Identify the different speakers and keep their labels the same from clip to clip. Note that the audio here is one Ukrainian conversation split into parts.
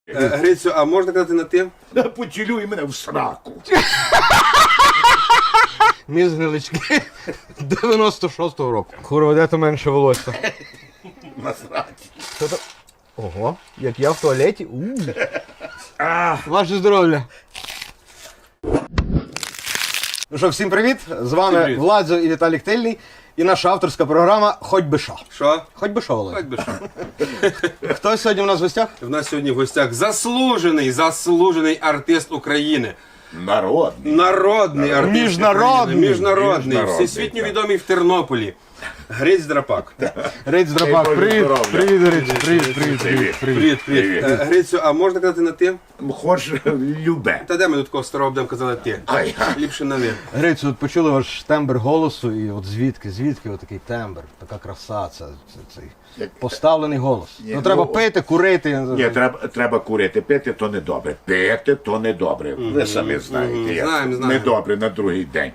Speaker 1: Грицю, а можна казати на ти?
Speaker 2: Поцілюй мене в сраку.
Speaker 3: Міс Гнилички 96-го року. Курва, де то менше волосся?
Speaker 2: Насрать.
Speaker 3: Ого, як я в туалеті. Ваше здоров'я. Ну що, всім привіт! З вами
Speaker 1: Привіт.
Speaker 3: Владзо і Віталік Тильний. І наша авторська програма «Хоть би що».
Speaker 1: Що?
Speaker 3: Хоть би що, Володя.
Speaker 1: Хоч би що.
Speaker 3: Хто сьогодні у нас в гостях?
Speaker 1: В нас сьогодні в гостях заслужений артист України. Народний артист
Speaker 3: Міжнародний.
Speaker 1: України. Міжнародний.
Speaker 2: Міжнародний,
Speaker 1: Всесвітньо
Speaker 2: так.
Speaker 1: відомий в Тернополі. Гриць Драпак.
Speaker 3: Риць Драбак,
Speaker 2: Боже
Speaker 3: привіт,
Speaker 2: здоров'я.
Speaker 3: привіт, Гриць, привіт, привіт, привіт.
Speaker 1: Привіт.
Speaker 2: Привіт.
Speaker 1: Грицю, а можна казати на ти?
Speaker 2: Хоч любе.
Speaker 1: Та де ми до такого старого будемо казати ти?
Speaker 2: Ай.
Speaker 1: Ліпше на ви.
Speaker 3: Грицю, от почули ваш тембр голосу, і от звідки отакий тембр, така краса, цей поставлений голос.
Speaker 2: Ні,
Speaker 3: Ну треба
Speaker 2: ну,
Speaker 3: пити, курити.
Speaker 2: Ні, треба курити. Пити то не добре. Пити то не добре. Ви самі знаєте. як
Speaker 1: Знаємо.
Speaker 2: Недобре на другий день.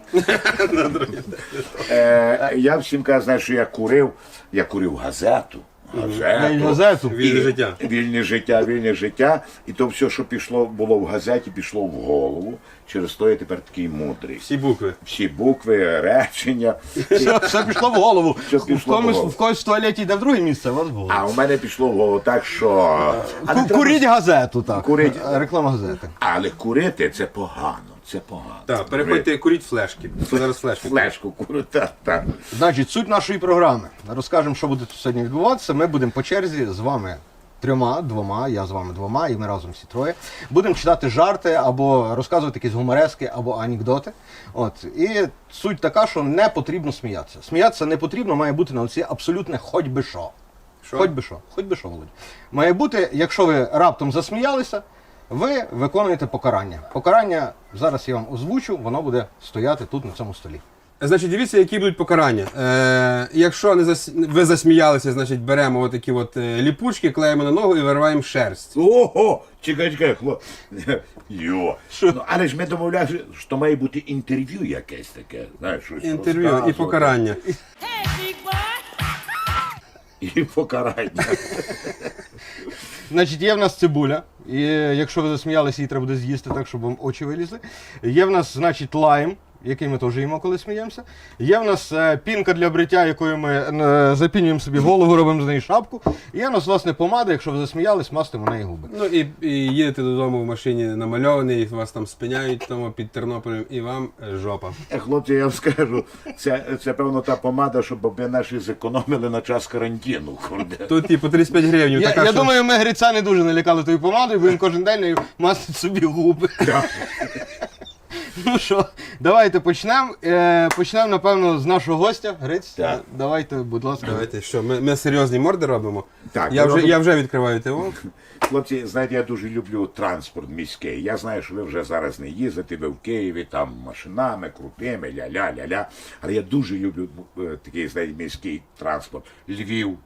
Speaker 2: Я всім кажу, знаєш, що я курив газету.
Speaker 3: Газету.
Speaker 1: Вільне життя.
Speaker 2: Вільне життя. І то все, що було в газеті, пішло в голову. Через то я тепер такий мудрий.
Speaker 1: Всі букви.
Speaker 2: Всі букви, речення.
Speaker 3: Все пішло в голову.
Speaker 2: Все пішло в голову.
Speaker 3: В когось в туалеті йде в друге місце, а у вас в голову.
Speaker 2: А у мене пішло в голову так, що...
Speaker 3: Куріть газету, так.
Speaker 2: Куріть.
Speaker 3: Реклама газети.
Speaker 2: Але курити це погано. Це погано.
Speaker 1: Так, переходьте, куріть флешки. Зараз флешки.
Speaker 2: Флешку курити. Так.
Speaker 3: Значить, суть нашої програми. Розкажемо, що буде тут сьогодні відбуватися. Ми будемо по черзі з вами двома, я з вами двома, і ми разом всі троє. Будемо читати жарти, або розказувати якісь гуморески, або анекдоти. От. І суть така, що не потрібно сміятися. Сміятися не потрібно, має бути на оці абсолютне хоч би що.
Speaker 1: Що?
Speaker 3: Хоч би що, Володь. Має бути, якщо ви раптом засміялися, ви виконуєте покарання. Покарання, зараз я вам озвучу, воно буде стояти тут на цьому столі.
Speaker 1: Значить, дивіться, які будуть покарання. Якщо ви засміялися, значить беремо отакі ліпучки, клеїмо на ногу і вириваємо шерсть.
Speaker 2: Ого! Чекай, хлоп. Йо. Ну, але ж ми домовлялися, що має бути інтерв'ю якесь таке. Знаєш, щось
Speaker 1: Інтерв'ю і
Speaker 2: розказувати.
Speaker 1: покарання.
Speaker 2: І покарання.
Speaker 3: Значить, є в нас цибуля, і якщо ви засміялися, її треба буде з'їсти так, щоб вам очі вилізли. Є в нас, значить, лайм, який ми теж їмо, коли сміємося. Є в нас пінка для бриття, якою ми запінюємо собі голову, робимо з неї шапку. І є в нас, власне, помада, якщо ви засміялись, мастимо неї губи.
Speaker 1: Ну і їдете додому в машині намальований, і вас там спиняють тому під Тернополем, і вам жопа.
Speaker 2: Хлопці, я вам скажу, це певно та помада, щоб ми наші зекономили на час карантину.
Speaker 1: Тут по 35 гривень.
Speaker 3: Я думаю, ми Гриця не дуже налякали тою помадою, бо він кожен день нею мастить собі губи. Ну що, давайте почнемо. Почнемо, напевно, з нашого гостя. Гриць,
Speaker 2: Так.
Speaker 3: давайте, будь ласка.
Speaker 1: Давайте, що, ми серйозні морди робимо?
Speaker 2: Так,
Speaker 1: Я вже відкриваю ТО.
Speaker 2: Хлопці, знаєте, я дуже люблю транспорт міський. Я знаю, що ви вже зараз не їздите, ви в Києві, там машинами, крутими, ля-ля-ля-ля. Але я дуже люблю такий, знаєте, міський транспорт. Львів.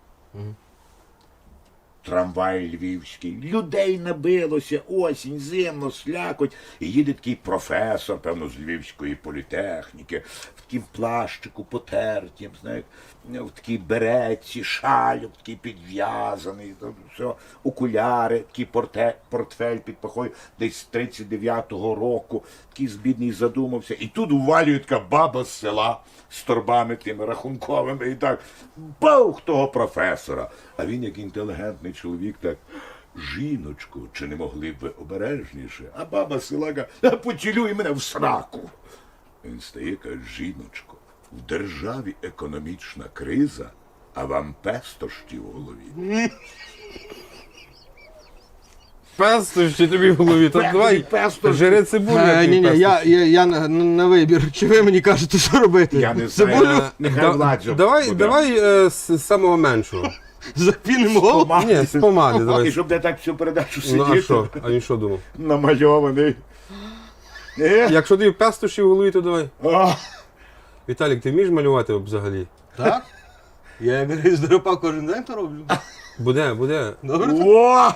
Speaker 2: Трамвай львівський. Людей набилося, осінь, зимно, слякоть. І їде такий професор, певно, з Львівської політехніки, в таким плащику потертім, знаєте, в такій беретці, шалюк такий підв'язаний, там все, окуляри, такий портфель під пахою, десь з 39-го року, такий збідний задумався. І тут увалює така баба з села з торбами тими рахунковими і так, баух того професора. А він, як інтелігентний чоловік, так, жіночку, чи не могли б ви обережніше? А баба з села каже, поцілюй мене в сраку. Він стає, каже, жіночко, в державі економічна криза, а вам пестощі в голові.
Speaker 1: Пестощі тобі в голові, то давай
Speaker 2: Пестощі.
Speaker 1: жири цибулю.
Speaker 3: Ні, я на вибір. Чи ви мені кажете, що робити?
Speaker 2: Я не знаю.
Speaker 3: Цибулю
Speaker 2: Нехай Владзо буде.
Speaker 1: Давай з самого меншого.
Speaker 3: запінимо голову?
Speaker 1: Ні, з помади
Speaker 2: І
Speaker 1: давай.
Speaker 2: щоб не так всю передачу
Speaker 1: Ну а
Speaker 2: сидіти,
Speaker 1: що? А він що думав?
Speaker 2: намальований.
Speaker 1: Якщо тобі пестощі в голові, то давай.
Speaker 2: А,
Speaker 1: Віталік, ти вмієш малювати взагалі?
Speaker 3: Так? Я як Гриць Драпак кожен день то роблю.
Speaker 1: Буде.
Speaker 3: Добре?
Speaker 2: О!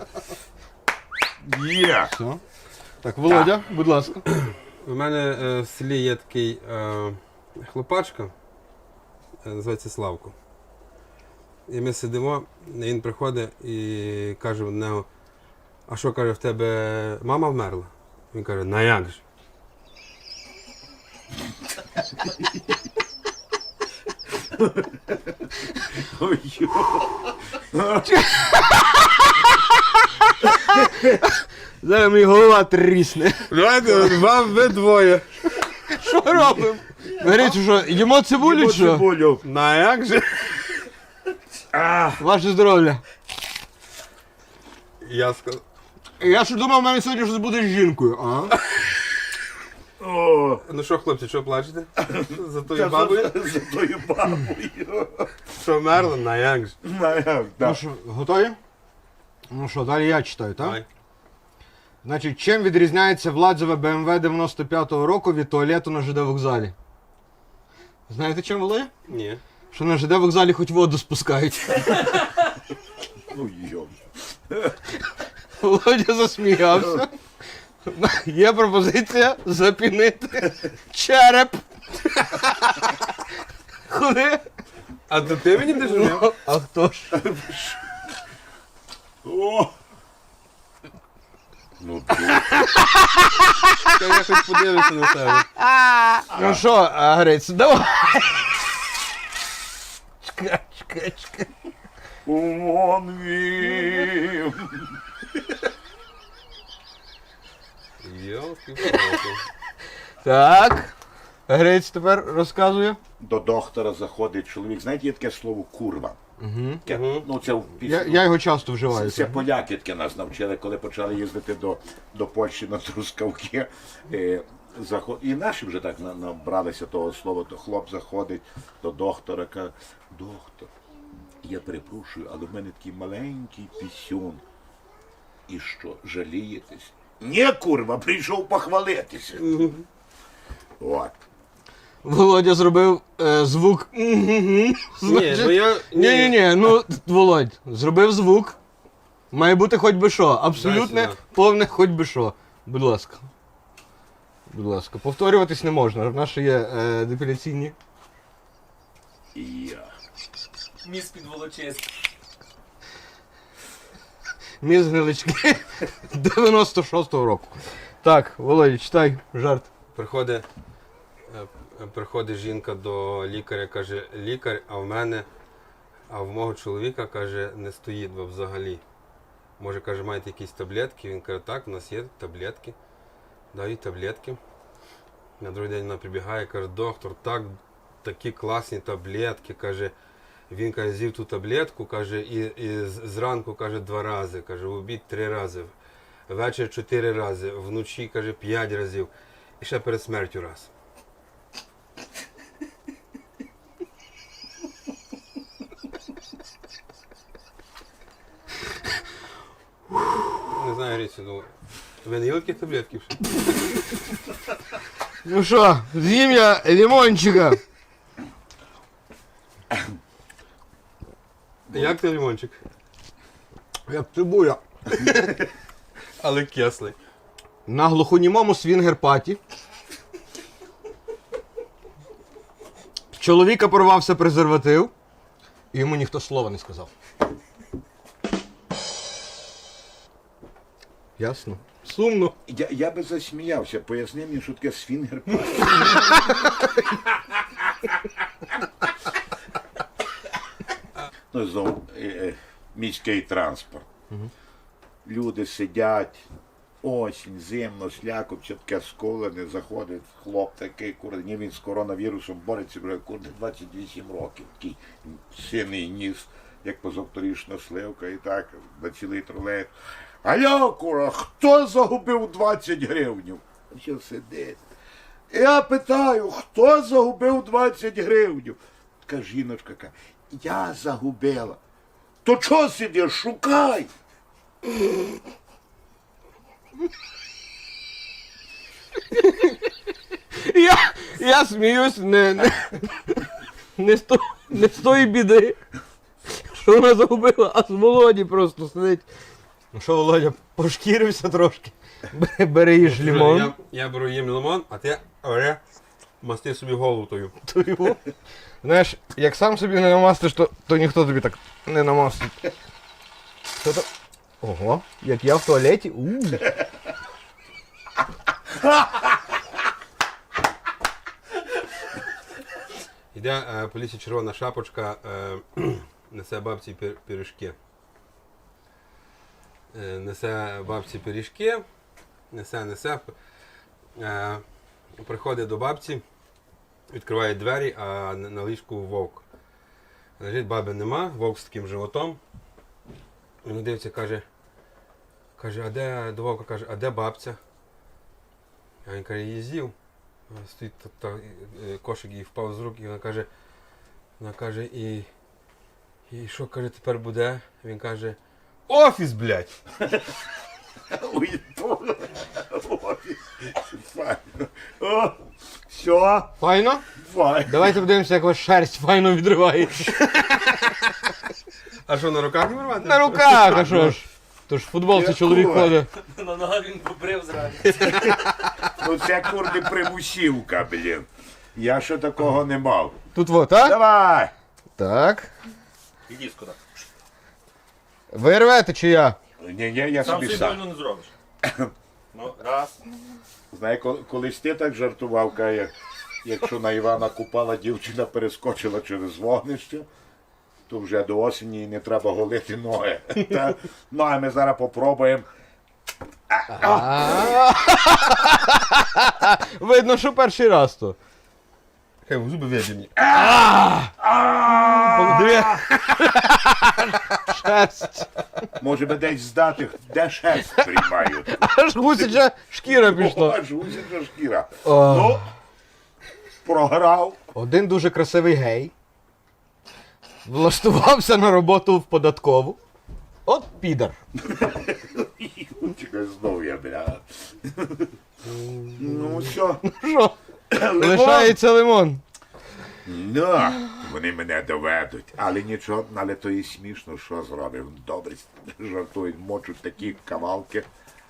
Speaker 2: Є!
Speaker 3: Все. Так, Володя, будь ласка.
Speaker 1: У мене в селі є такий хлопачка, називається Славко. І ми сидимо, він приходить і каже в нього, а що, каже, в тебе мама вмерла? Він каже, на як же?
Speaker 2: Ой,
Speaker 3: Зараз мені голова трісне.
Speaker 1: Давайте, вам ви двоє.
Speaker 3: Що робимо? Говорите, що їмо цибулю, чи що?
Speaker 2: цибулю.
Speaker 1: На як же?
Speaker 3: Ваше здоров'я.
Speaker 1: Я сказав.
Speaker 3: Я ж думав, в мене сьогодні щось буде з жінкою. А?
Speaker 2: О,
Speaker 1: Ну що, хлопці, що плачете? За тою
Speaker 2: та
Speaker 1: бабою?
Speaker 2: за тою бабою.
Speaker 1: Що вмерла? На як же?
Speaker 2: Так.
Speaker 3: Ну що, готові? Ну що, далі я читаю, так?
Speaker 1: Давай.
Speaker 3: Значить, чим відрізняється Владзеве BMW 95-го року від туалету на ЖД вокзалі? Знаєте чим, Володя?
Speaker 1: Ні.
Speaker 3: Що на ЖД вокзалі хоч воду спускають.
Speaker 2: Ну, йо.
Speaker 3: Володя засміявся. Є пропозиція запінити череп. Куди?
Speaker 1: А то ти мені не жив?
Speaker 3: А хто ж?
Speaker 2: О! Ну,
Speaker 1: Та я хоч подивлюся на тебе.
Speaker 3: Ну що, Гриць, давай. Чекай.
Speaker 2: вон він.
Speaker 1: Йолки-палки.
Speaker 3: Так. Гриць тепер розказує.
Speaker 2: До доктора заходить чоловік. Знаєте, є таке слово курва. Ну, це в
Speaker 3: Я його часто вживаю.
Speaker 2: Це поляки таке нас навчили, коли почали їздити до Польщі на Трускавки. І наші вже так набралися того слова, то хлоп заходить до доктора, каже, доктор, я перепрошую, але в мене такий маленький пісюн. І що, жалієтесь? Ні, курва, прийшов похвалитися. От.
Speaker 3: Володя зробив звук.
Speaker 1: Ні, ну я...
Speaker 3: Ні, ну, Володь, зробив звук. Має бути хоч би що. Абсолютне,
Speaker 1: Дай сюди.
Speaker 3: повне хоч би що. Будь ласка. Будь ласка. Повторюватись не можна. В нас ще є депіляційні.
Speaker 2: Я.
Speaker 4: Міс під Волочиськ.
Speaker 3: Міс гнилички 96-го року. Так, Володя, читай жарт.
Speaker 1: Приходить жінка до лікаря, каже, лікар, а в мого чоловіка, каже, не стоїть взагалі. Може, каже, маєте якісь таблетки? Він каже, так, у нас є таблетки. Дають таблетки. На другий день вона прибігає, каже, доктор, такі класні таблетки, каже. Він каже, з'їв ту таблетку, каже, і зранку, каже, 2 рази, каже, в обід 3 рази, ввечері 4 рази, вночі, каже, 5 разів, і ще перед смертю раз. Не знаю, Грицю, ну, ви не їли такі таблетки вже?
Speaker 3: Ну що, з'їм я лимончика.
Speaker 1: Як ти лимончик?
Speaker 3: Як цибуля.
Speaker 1: Але кислий.
Speaker 3: На глухонімому свінгер-паті. Чоловіка порвався презерватив, і йому ніхто слова не сказав. Ясно? Сумно.
Speaker 2: Я би засміявся, поясни мені, що таке свінгер. Ну, знову міський транспорт. Люди сидять, осінь, зимно, слякоть, таке сколене, заходить хлоп такий, курне, він з коронавірусом бореться, вже 28 років, такий синий ніс, як позавторішна сливка, і так, на цілий тролей. Алло, кура, хто загубив 20 гривнів? Що сидить? Я питаю, хто загубив 20 гривнів? Така жіночка каже, я загубила. То чого сидиш, шукай?
Speaker 3: Я сміюсь не з тої біди, що вона загубила, а з Володі просто сидить. Ну що, Володя, пошкірився трошки. Бери їж лимон.
Speaker 1: Я беру їм лимон, а ти масти собі голову тою.
Speaker 3: Знаєш, як сам собі не намастиш, то ніхто тобі так не намастить. Ого, як я в туалеті.
Speaker 1: Йде по лісі червона шапочка, несе бабці пиріжки. Несе бабці пиріжки, несе. Приходить до бабці, відкриває двері, а на ліжку вовк. Лежить, баби нема, вовк з таким животом. Він дивиться, каже, а де, до вовка каже, а де бабця? А він каже, її з'їв. Стоїть кошик їй впав з рук, і вона каже, і що, каже, тепер буде? Він каже, офіс, блядь!
Speaker 2: Ой, файно. О, все,
Speaker 3: Файно?
Speaker 2: файно.
Speaker 3: Давайте подивимося, як ваша шерсть файно відривається.
Speaker 1: А що, на руках не вирвати?
Speaker 3: На руках, а що ж? Тож в футболці
Speaker 2: Як
Speaker 3: чоловік
Speaker 2: кура.
Speaker 3: ходить.
Speaker 4: На ногах він побрив зразу.
Speaker 2: Ну це курди примусівка, блін. Я ще такого не мав.
Speaker 3: Тут вот, а?
Speaker 2: Давай!
Speaker 3: Так.
Speaker 5: Іди скуди.
Speaker 3: Ви рвете чи я?
Speaker 2: Ні, я
Speaker 5: Сам
Speaker 2: собі
Speaker 5: собі
Speaker 2: сам.
Speaker 5: больно не зробиш. Ну, раз.
Speaker 2: Знає, колись ти так жартував, каже, якщо на Івана Купала дівчина перескочила через вогнище, то вже до осені не треба голити ноги. Ну, а ми зараз попробуємо.
Speaker 3: Видно, що перший раз то.
Speaker 1: Хай в зуби в'єдені.
Speaker 3: Диви. Шерсть.
Speaker 2: Може би десь здати, де шерсть приймають.
Speaker 3: Аж гусяча шкіра пішла.
Speaker 2: Аж гусяча шкіра.
Speaker 3: О.
Speaker 2: Ну, програв.
Speaker 3: Один дуже красивий гей влаштувався на роботу в податкову. От підар.
Speaker 2: Чекай, знов я, бля. Ну, все.
Speaker 3: Що? Лишається лимон.
Speaker 2: Ну, вони мене доведуть. Але нічого, але то і смішно, що зробив. Добре жартують, мочуть такі кавалки.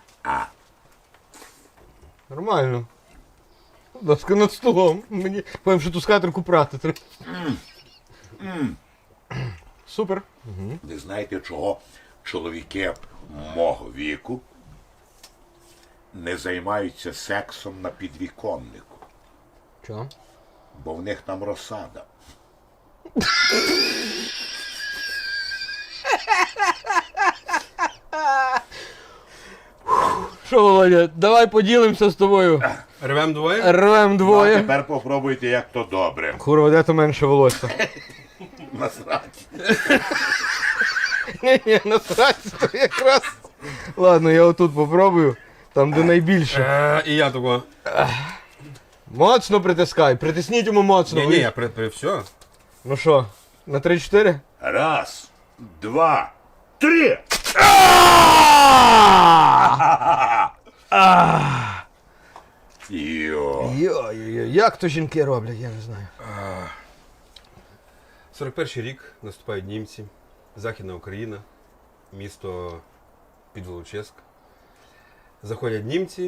Speaker 3: Нормально. Будь ласка, над столом. Мені повім, що ту скатерку прати треба. Супер.
Speaker 2: Ви знаєте, чого чоловіки мого віку не займаються сексом на підвіконнику?
Speaker 3: Чого?
Speaker 2: Бо в них там розсада.
Speaker 3: Що, Володя, давай поділимося з тобою.
Speaker 1: Рвем двоє?
Speaker 3: Рвем
Speaker 2: Ну, а
Speaker 3: двоє.
Speaker 2: тепер попробуйте, як то добре.
Speaker 3: Курва, де то менше волосся?
Speaker 2: Насрать.
Speaker 3: Ні, насрать, то якраз. Ладно, я отут попробую. Там, де найбільше.
Speaker 1: І я того.
Speaker 3: Моцно притискай. Притисніть йому моцно.
Speaker 1: Ні, я при все.
Speaker 3: Ну що, на 3-4?
Speaker 2: Раз, два, три! Йо.
Speaker 3: Йо-йо-йо, як то жінки роблять, я не знаю.
Speaker 1: 41-й рік наступають німці, Західна Україна, місто Підволочиськ. Заходять німці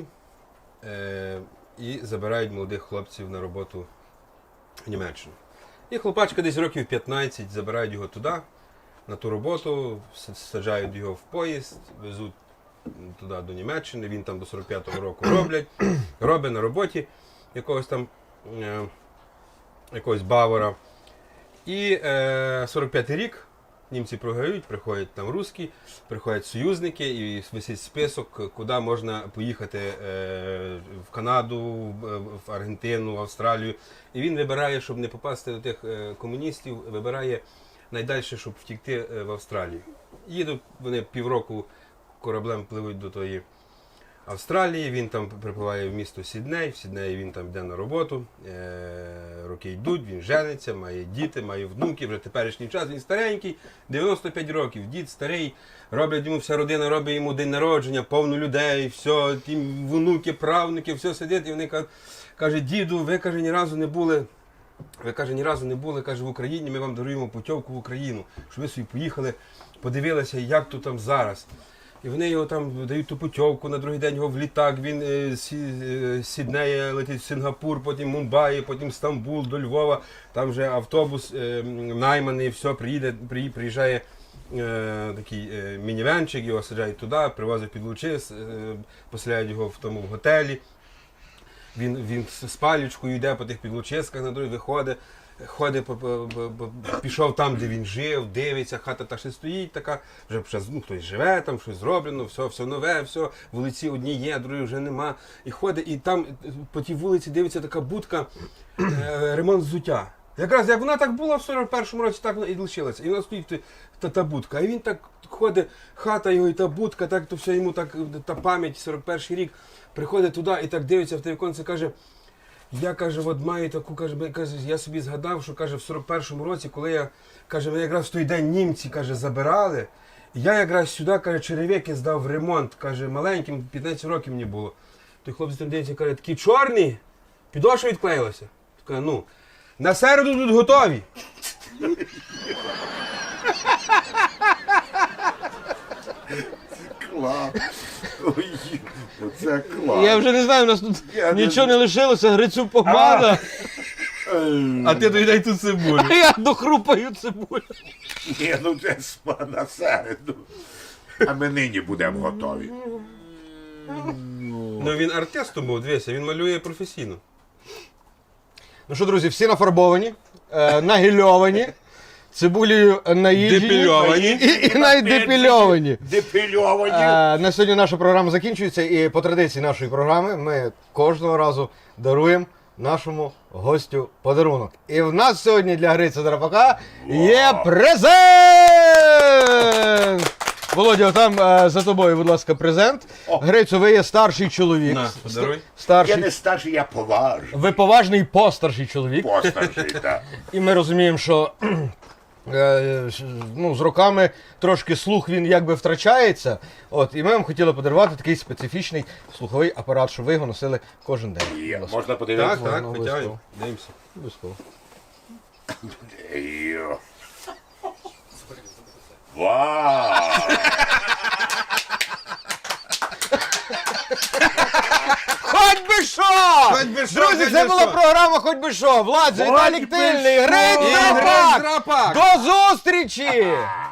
Speaker 1: і забирають молодих хлопців на роботу в Німеччину. І хлопачка десь років 15 забирають його туди, на ту роботу, саджають його в поїзд, везуть туди до Німеччини, він там до 45-го року робить на роботі якогось там якогось бавара. І 45-й рік німці програють, приходять там русські, приходять союзники і висить список, куди можна поїхати в Канаду, в Аргентину, в Австралію. І він вибирає, щоб не попасти до тих комуністів, вибирає найдальше, щоб втікти в Австралію. Їдуть вони півроку кораблем пливуть до тої Австралії, він там припливає в місто Сідней, в Сіднеї він там йде на роботу, роки йдуть, він жениться, має діти, має внуки, вже теперішній час, він старенький, 95 років, дід старий, роблять йому, вся родина робить йому день народження, повно людей, все, ті внуки, правнуки, все сидять, і вони кажуть, діду, ви, каже, ні разу не були, каже, в Україні, ми вам даруємо путівку в Україну, щоб ви собі поїхали, подивилися, як тут там зараз. І вони його там дають ту путівку, на другий день його в літак, він з Сіднея летить в Сингапур, потім Мумбаї, потім Стамбул, до Львова, там вже автобус найманий, все, приїжджає такий мінівенчик, його саджають туди, привозять під лучи, поселяють його в тому в готелі. Він з палічкою йде по тих підлучисках на дорозі, виходить, пішов там, де він жив, дивиться, хата та ще стоїть така, вже хтось живе, там щось зроблено, все нове, все, вулиці одні є, другі вже нема. І ходить, і там по тій вулиці дивиться така будка, ремонт взуття. Якраз як вона так була в 41-му році, так вона і лишилася. І вона стоїть та будка. І він так ходить, хата його і та будка, так то все йому так, та пам'ять, 41-й рік, приходить туди і так дивиться в те віконце, каже, я, каже, от маю таку, каже, я собі згадав, що, каже, в 41-му році, коли я, каже, мене якраз в той день німці, каже, забирали, я якраз сюди, каже, черевики здав в ремонт, каже, маленьким, 15 років мені було. Той хлопець там дивиться, каже, такі чорні, підошва відклеїлася. Каже, ну, на середу тут готові.
Speaker 2: Клас. Ой, оце клас.
Speaker 3: Я вже не знаю, у нас тут
Speaker 2: Я не
Speaker 3: нічого не лишилося, грицю помада,
Speaker 1: А ти доїдай тут цибулю.
Speaker 3: а я дохрупаю цибулю.
Speaker 2: Ні, ну це на середу. А ми нині будемо готові.
Speaker 1: Ну він артистом був, дивися, він малює професійно.
Speaker 3: Ну що, друзі, всі нафарбовані, нагільовані, цибулею наїжджені
Speaker 1: Депільовані.
Speaker 3: і навіть депільовані.
Speaker 2: Депільовані.
Speaker 3: На сьогодні наша програма закінчується, і по традиції нашої програми ми кожного разу даруємо нашому гостю подарунок. І в нас сьогодні для Гриця Драпака є презент! Володя, там за тобою, будь ласка, презент. Грицю, ви є старший чоловік.
Speaker 1: На, подаруй.
Speaker 3: Старший.
Speaker 2: Я не старший, я поважний.
Speaker 3: Ви поважний постарший чоловік.
Speaker 2: Постарший, так.
Speaker 3: І ми розуміємо, що ну, з роками трошки слух він якби втрачається. От, і ми вам хотіли подарувати такий специфічний слуховий апарат, щоб ви його носили кожен день.
Speaker 2: Є.
Speaker 3: Будь ласка.
Speaker 2: Можна подивитися?
Speaker 1: Так,
Speaker 3: ну,
Speaker 1: витягуємо, дивимося.
Speaker 3: Обов'язково.
Speaker 2: Йо. Вау!
Speaker 3: Хоч би що!
Speaker 1: Хоч би що,
Speaker 3: Друзі,
Speaker 1: хоч
Speaker 3: це
Speaker 1: би
Speaker 3: була
Speaker 1: що.
Speaker 3: програма «Хоч би що». Влад, Віталік
Speaker 2: би
Speaker 3: Тильний,
Speaker 2: що!
Speaker 3: Гриць
Speaker 1: І Гриць
Speaker 3: Драпак!
Speaker 1: Драпак!
Speaker 3: До зустрічі!